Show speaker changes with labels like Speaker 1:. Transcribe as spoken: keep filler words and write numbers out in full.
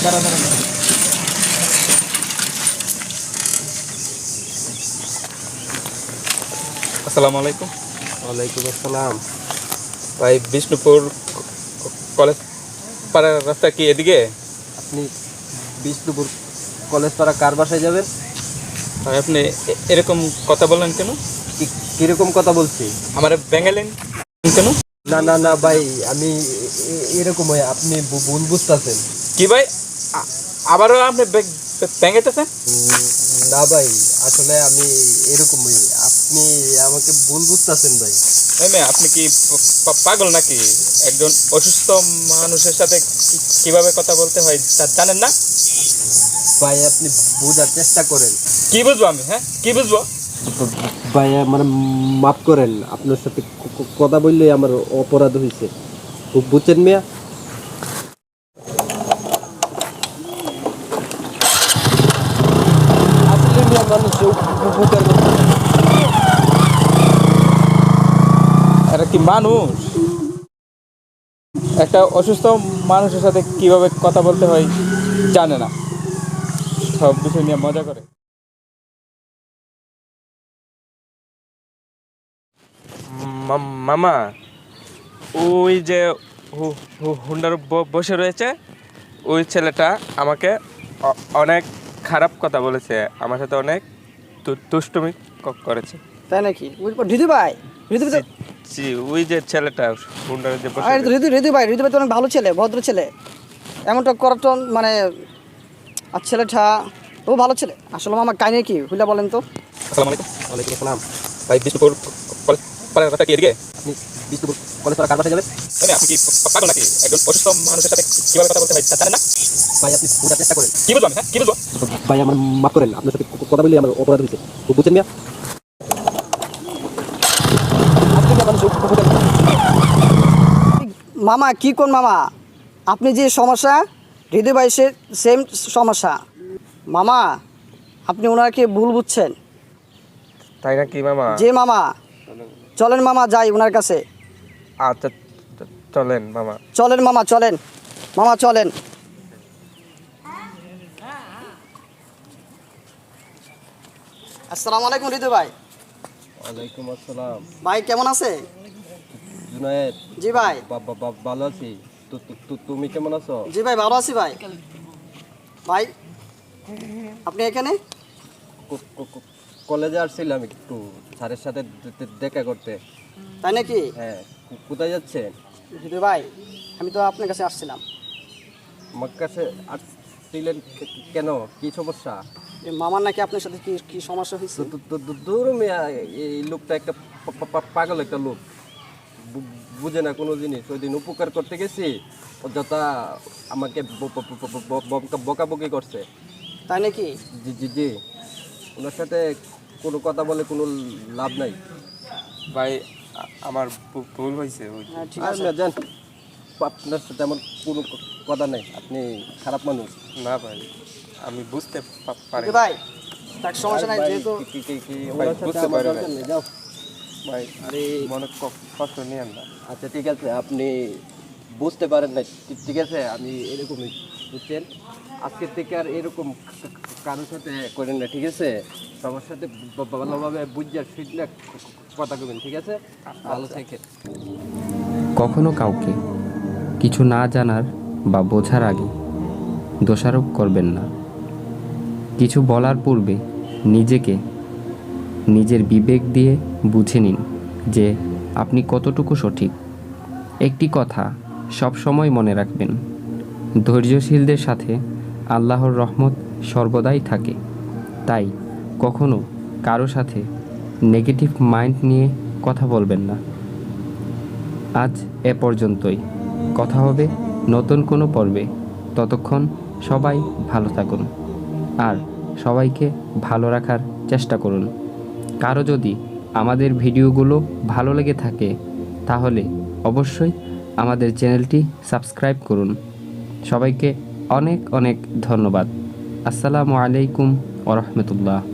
Speaker 1: দাঁড়া দাঁড়া দাঁড়া। আসসালামু আলাইকুম।
Speaker 2: ওয়ালাইকুম আসসালাম।
Speaker 1: ভাই বিষ্ণুপুর কলেজ পাড়ার রাস্তা কি এদিকে?
Speaker 2: আপনি বিষ্ণুপুর কলেজ পাড়া কার বাসায় যাবেন?
Speaker 1: ভাই আপনি এ- এরকম কথা বললেন কেন?
Speaker 2: কি কিরকম কথা বলছি?
Speaker 1: আমার ব্যাঙ্গালেন কেন?
Speaker 2: না না না ভাই, আমি এ- এ- এরকম হয়, আপনি ভু- ভুল বুঝতেছেন।
Speaker 1: কি ভাই আ- আবারও আপনি ব্যাঙ্গাইতেছেন?
Speaker 2: না ভাই, আসলে আমি এরকম হই, আপনি আমাকে ভুল বুঝতেছেন ভাই।
Speaker 1: এই মেয়ে, আপনি কি প- পা- পাগল নাকি? একজন অসুস্থ মানুষের সাথে কি- কিভাবে কথা বলতে হয় তা জানেন না?
Speaker 2: ভাই আপনি বোঝার চেষ্টা করেন।
Speaker 1: কি বুঝবো আমি? হ্যাঁ, কি বুঝবো?
Speaker 2: ভাই মানে মাফ করেন, আপনার সাথে ক- ক- কথা বললেই আমার অপরাধ হয়েছে, বুঝছেন মিয়া? আসলে মিয়া মানুষ উপকার করতে।
Speaker 1: এটা কি মানুষ? একটা অসুস্থ মানুষের সাথে কিভাবে কথা বলতে হয় জানে না, সব বিষয় নিয়ে মজা করে।
Speaker 3: মা- মামা, ওই যে হু- হু- হুন্ডার ব- বসে রয়েছে, ওই ছেলেটা আমাকে অ- অনেক খারাপ কথা বলেছে, আমার সাথে অনেক দু- দুষ্টুমি ক- করেছে।
Speaker 4: তাই নাকি? ঋতু ভাই, ঋতু
Speaker 3: জি জি, ওই যে ছেলেটা হুন্ডারে যে বসে
Speaker 4: ভাই,
Speaker 3: রয়েছে।
Speaker 4: ঋতু ঋতু ভাই, ঋতু ভাই তো অনেক ভালো ছেলে, ভদ্র ছেলে। এমনটা করার তো মানে, আর ছেলেটা ও ভালো ছেলে। আসলে আমার কাহিনী কি হুইলা বলেন তো?
Speaker 1: আসসালামু আলাইকুম।
Speaker 2: ওয়ালাইকুম আসসালাম।
Speaker 1: ভাই বিষ্ণুপুর কলেজ পাড়ার রাস্তা কি এদিকে?
Speaker 2: আপনি বিষ্ণুপুর কলেজ পাড়া কার বাসায় যাবেন?
Speaker 1: এই মেয়ে, আপনি কি পা- পাগল নাকি? একজন অসুস্থ মানুষের সাথে কিভাবে কথা বলতে হয় তা জানেন না?
Speaker 2: ভাই আপনি বোঝার চেষ্টা করেন।
Speaker 1: কি বুঝবো আমি? হ্যাঁ, কি বুঝবো?
Speaker 2: ভাই আমার মাফ করেন, আপনার সাথে ক- কথা বললেই আমার অপরাধ হয়েছে, বুঝছেন মিয়া? আসলে মিয়া মানুষ উপকার করতে।
Speaker 4: মামা কি কোন মামা? আপনি যে সমস্যা, হৃদয় ভাই সে সেম সমস্যা। মামা আপনি ওনাকে ভুল বুঝছেন।
Speaker 3: তাই নাকি মামা?
Speaker 4: যে মামা, চলেন মামা যাই ওনার কাছে।
Speaker 3: আচ্ছা, চ- চলেন মামা।
Speaker 4: চলেন মামা, চলেন মামা, চলেন। আসসালামু আলাইকুম ঋতু ভাই।
Speaker 2: ওয়ালাইকুম আসসালাম।
Speaker 4: ভাই কেমন আছে?
Speaker 2: জুনায়েদ,
Speaker 4: জি ভাই।
Speaker 2: বা- বা- বা- ভালো আছি। তু- তু- তু- তুমি কেমন আছো?
Speaker 4: জি ভাই, ভালো আছি ভাই। ভাই আপনি এখানে?
Speaker 2: ক- ক- ক- কলেজে আসছিলাম একটু স্যারের সাথে দে- দে- দেখা করতে।
Speaker 4: তাই নাকি?
Speaker 2: হ্যাঁ, কো- কোথায় যাচ্ছেন?
Speaker 4: ঋতু ভাই আমি তো আপনার কাছে আসছিলাম।
Speaker 2: আমার কাছে আসছিলেন কে- কেন? কি সমস্যা?
Speaker 4: এই মামার নাকি আপনার সাথে কি কি সমস্যা হয়েছে?
Speaker 2: দু- দু- দু- দূর মিয়া, এই লোকটা একটা পা- পা- পা- পাগল একটা লোক, বু- বুঝে না কোনো জিনিস। ওই দিন উপকার করতে গেছি, ও যথা আমাকে ব- ব- ব- ব- ব- বকা- বকাবকি করছে।
Speaker 4: তাই নাকি?
Speaker 2: জি জি জি, ওনার সাথে কোনো কথা বলে কোনো লাভ নাই।
Speaker 3: ভাই, আ- আমার ভু- ভুল হয়েছে। ওই
Speaker 4: হ্যাঁ ঠিক
Speaker 2: আর
Speaker 4: আছে।
Speaker 2: না জান, আপনার সাথে আমার কোনো ক- কথা নেই, আপনি খারাপ মানুষ।
Speaker 3: না ভাই, আমি বুঝতে পা- পারি।
Speaker 4: ঋতু ভাই তার সমস্যা নাই,
Speaker 2: ভাই,
Speaker 4: যেহেতু
Speaker 2: কি- কি- কি- কি,
Speaker 3: ভাই,
Speaker 2: ওনার সাথে
Speaker 3: বুঝতে
Speaker 2: আমার
Speaker 3: পারি
Speaker 2: দরকার
Speaker 3: ভাই।
Speaker 2: নেই, যাও।
Speaker 3: ভাই,
Speaker 2: আরে
Speaker 3: মনে ক- কষ্ট নিয়েন না।
Speaker 2: আচ্ছা ঠিক আছে, আপনি বুঝতে পারেন না, ঠিক- ঠিক আছে, আমি এরকমই, বুঝছেন? আজকের থেকে আর এরকম কা- কারোর সাথে করেন না, ঠিক আছে? সবার সাথে ব- ভালোভাবে বুঝে ফিটলে কথা কবেন, ঠিক আছে? ভালো থাকেন।
Speaker 5: কখনো কাউকে কিছু না জানার বা বোঝার আগে দোষারোপ করবেন না। কিছু বলার পূর্বে নিজেকে নিজের বিবেক দিয়ে বুঝে নিন যে আপনি কতটুকু সঠিক। একটি কথা সব সময় মনে রাখবেন, ধৈর্যশীলদের সাথে আল্লাহর রহমত সর্বদাই থাকে। তাই কখনো কারো সাথে নেগেটিভ মাইন্ড নিয়ে কথা বলবেন না। আজ এ পর্যন্তই, কথা হবে নতুন কোনো পর্বে। ততক্ষণ সবাই ভালো থাকুন আর সবাইকে ভালো রাখার চেষ্টা করুন। কারো যদি আমাদের ভিডিওগুলো ভালো লেগে থাকে তাহলে অবশ্যই আমাদের চ্যানেলটি সাবস্ক্রাইব করুন। সবাইকে অনেক অনেক ধন্যবাদ। আসসালামু আলাইকুম ওয়া রাহমাতুল্লাহ।